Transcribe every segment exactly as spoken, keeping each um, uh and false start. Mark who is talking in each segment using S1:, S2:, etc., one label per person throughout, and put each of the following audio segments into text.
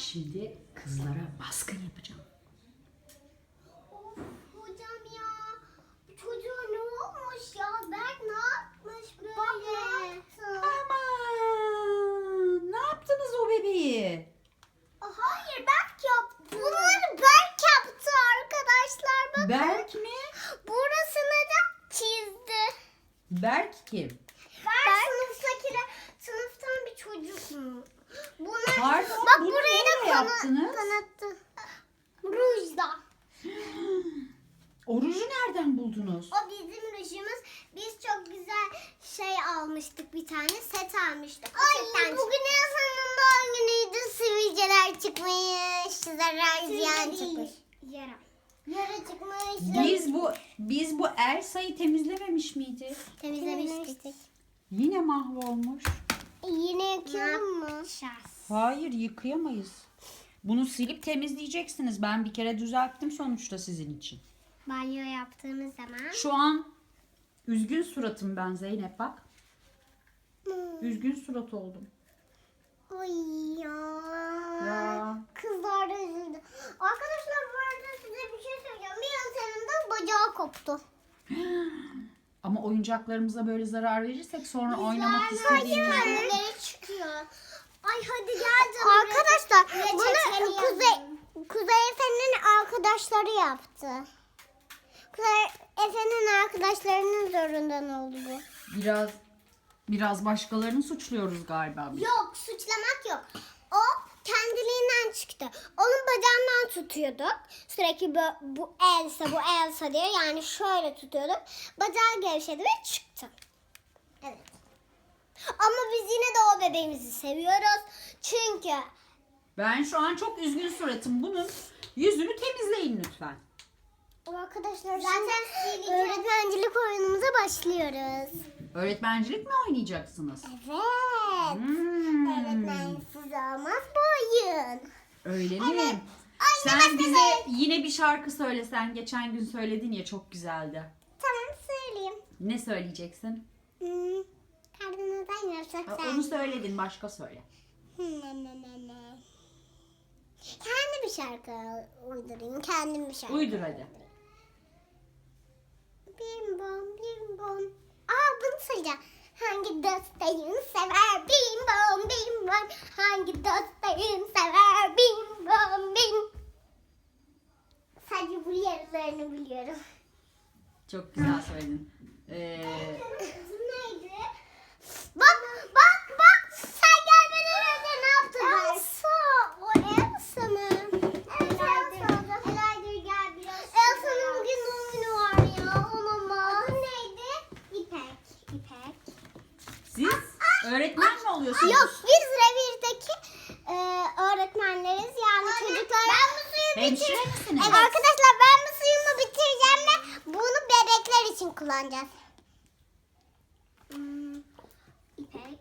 S1: Şimdi kızlara baskın yapacağım.
S2: Of hocam ya. Bu çocuğa ne olmuş ya? Berk ne yapmış böyle? Bak ne yaptı?
S1: Aman! Ne yaptınız o bebeği?
S2: Hayır Berk yaptı. Bunları Berk yaptı arkadaşlar. Bakın.
S1: Berk mi?
S2: Burasını da çizdi.
S1: Berk kim?
S2: Berk, sınıftaki sınıftan bir çocuk mu? Bunlar,
S1: Pardon,
S2: bak
S1: bunu
S2: burayı da
S1: neyle
S2: kana-
S1: yaptınız?
S2: kanattı. Rujda.
S1: O ruju nereden buldunuz?
S2: O bizim rujumuz. Biz çok güzel şey almıştık, bir tane set almıştık. O Ay bugün Elsa'nın doğum günüydü. Sivilceler çıkmış. Zarar ziyan çıkmış. Yara. Yara çıkmış.
S1: Biz bu biz bu Elsa'yı temizlememiş miydik?
S2: temizlemiştik.
S1: Yine mahvolmuş.
S2: Yine yıkayalım mı?
S1: Hayır, yıkayamayız. Bunu silip temizleyeceksiniz. Ben bir kere düzelttim sonuçta sizin için.
S2: Banyo yaptığımız zaman.
S1: Şu an üzgün suratım ben Zeynep bak. Üzgün surat oldum.
S2: Ay ya.
S1: Ya.
S2: Kızlar da üzüldü. Arkadaşlar bu arada size bir şey söyleyeceğim. Bir an senin de bacağı koptu.
S1: Ama oyuncaklarımıza böyle zarar verirsek sonra oynamak
S2: Hayır,
S1: istediğimizde...
S2: kendileri çıkıyor. Ay hadi gel canım. Arkadaşlar bunu Kuzey, Kuzey Efe'nin arkadaşları yaptı. Kuzey Efe'nin arkadaşlarının zorundan oldu bu.
S1: Biraz biraz başkalarını suçluyoruz galiba biz.
S2: Yok suçlamak yok. O kendiliğinden çıktı. Onun bacağından tutuyorduk. Sürekli bu, bu Elsa bu Elsa diye yani şöyle tutuyorduk. Bacağı gevşedi ve çıktı. Evet. Ama biz yine de o bebeğimizi seviyoruz. Çünkü
S1: Ben şu an çok üzgün suratım. Bunun yüzünü temizleyin lütfen.
S2: arkadaşlar zaten öğretmencilik oyunumuza başlıyoruz.
S1: Öğretmencilik mi oynayacaksınız?
S2: Evet.
S1: Hmm.
S2: Öğretmensiz olmaz bu oyun.
S1: Öyle mi?
S2: Evet.
S1: Sen
S2: Anne,
S1: bize
S2: mesela-
S1: yine bir şarkı söylesen. Geçen gün söyledin ya, çok güzeldi.
S2: Tamam söyleyeyim.
S1: Ne söyleyeceksin?
S2: Hmm. Kalbimden yarsak
S1: Ha,
S2: sen.
S1: onu söyledin, başka söyle.
S2: Ne ne ne ne. Kendi bir şarkı uydurayım. Kendim bir şarkı.
S1: Uydur hadi.
S2: Bim bom bim bom. Aa bunu söyleyeceğim. Hangi dostayım sever bim bom bim bom. Hangi dostayım sever bim bom bim. Sadece bu yarılarını biliyorum.
S1: Çok güzel söyledin. Ee,
S2: Neydi? Bak bak bak. Sen gelmeden önce ne yaptın? Elsa. O Elsa mı? Evet Elsa. Elaydır gel biraz. Elsa'nın bugün doğum günü var ya. Olamaz. Adı neydi? İpek. İpek.
S1: siz öğretmen mi oluyorsunuz?
S2: Yok biz revirdeki e, öğretmenleriz. Yani çocuklar. Ben bu suyu
S1: Hemşire
S2: bitireceğim.
S1: misiniz?
S2: Evet. Arkadaşlar ben bu suyumu bitireceğim ve bunu bebekler için kullanacağız. Hmm, İpek.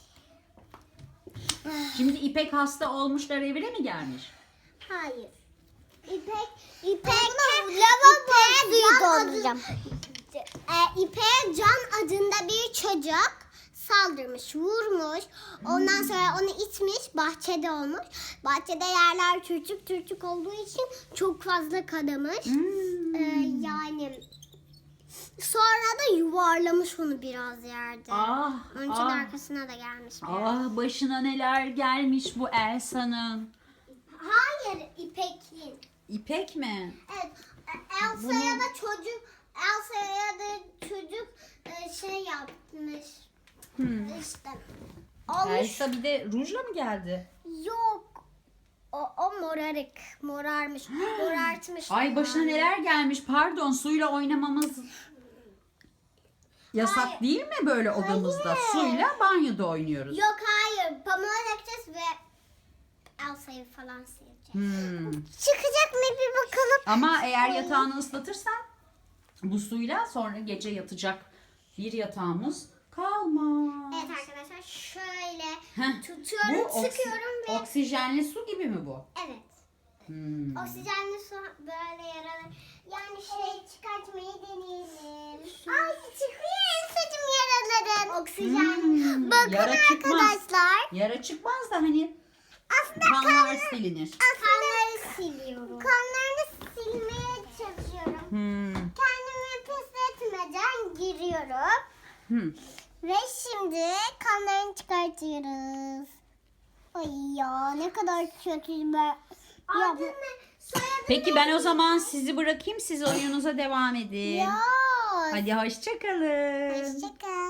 S1: Şimdi İpek hasta olmuş da revire mi gelmiş?
S2: Hayır. İpek, İpek, lavabo suyu dolduracağım. E, İpek'e Can adında bir çocuk saldırmış, vurmuş. Ondan sonra onu itmiş, bahçede olmuş. Bahçede yerler çürçük çürçük olduğu için çok fazla kanamış.
S1: Hmm.
S2: E, yani sonra da yuvarlamış onu biraz yerde.
S1: Ah,
S2: Onun için
S1: ah,
S2: arkasına da gelmiş. biraz.
S1: ah, başına neler gelmiş bu Elsa'nın.
S2: Hayır İpek'in.
S1: İpek mi?
S2: Evet, Elsa'ya da çocuk, Elsa'ya da çocuk e, şey yapmış.
S1: Hmm.
S2: İşte. Olmuş.
S1: Elsa bir de rujla mı geldi?
S2: Yok. O, o morarık. Morarmış. Morartmış.
S1: Ay başına
S2: yani.
S1: neler gelmiş. Pardon, suyla oynamamız yasak
S2: Hayır.
S1: değil mi böyle odamızda?
S2: Hayır.
S1: Suyla banyoda oynuyoruz.
S2: Yok hayır. Pamuğa dökeceğiz ve Elsa'yı falan sileceğiz.
S1: Hmm.
S2: Çıkacak mı bir bakalım.
S1: Ama eğer yatağını ıslatırsan bu suyla sonra gece yatacak bir yatağımız kalmaz.
S2: Evet arkadaşlar şöyle
S1: Heh,
S2: tutuyorum,
S1: bu oksi-
S2: sıkıyorum ve
S1: oksijenli su gibi mi bu?
S2: evet.
S1: Hmm.
S2: Oksijenli su böyle yaralar. Yani şey çıkartmayı deneyelim. Ay çıkıyor Elsa'cığım yaraların. Oksijen.
S1: Hmm,
S2: Bakın
S1: yara çıkmaz.
S2: arkadaşlar.
S1: Yara çıkmaz da hani
S2: Aslında
S1: kanlar kanlar silinir.
S2: Kanları siliyorum. Kanlarını silmeye çalışıyorum.
S1: Hmm.
S2: Kendimi pisletmeden giriyorum.
S1: Hmm.
S2: Ve şimdi kanlarını çıkartıyoruz. Ay ya ne kadar kötü be. Ya, bu-
S1: Peki ben o zaman sizi bırakayım. Siz oyununuza devam edin.
S2: ya.
S1: Hadi hoşça kalın.
S2: Hoşçakal.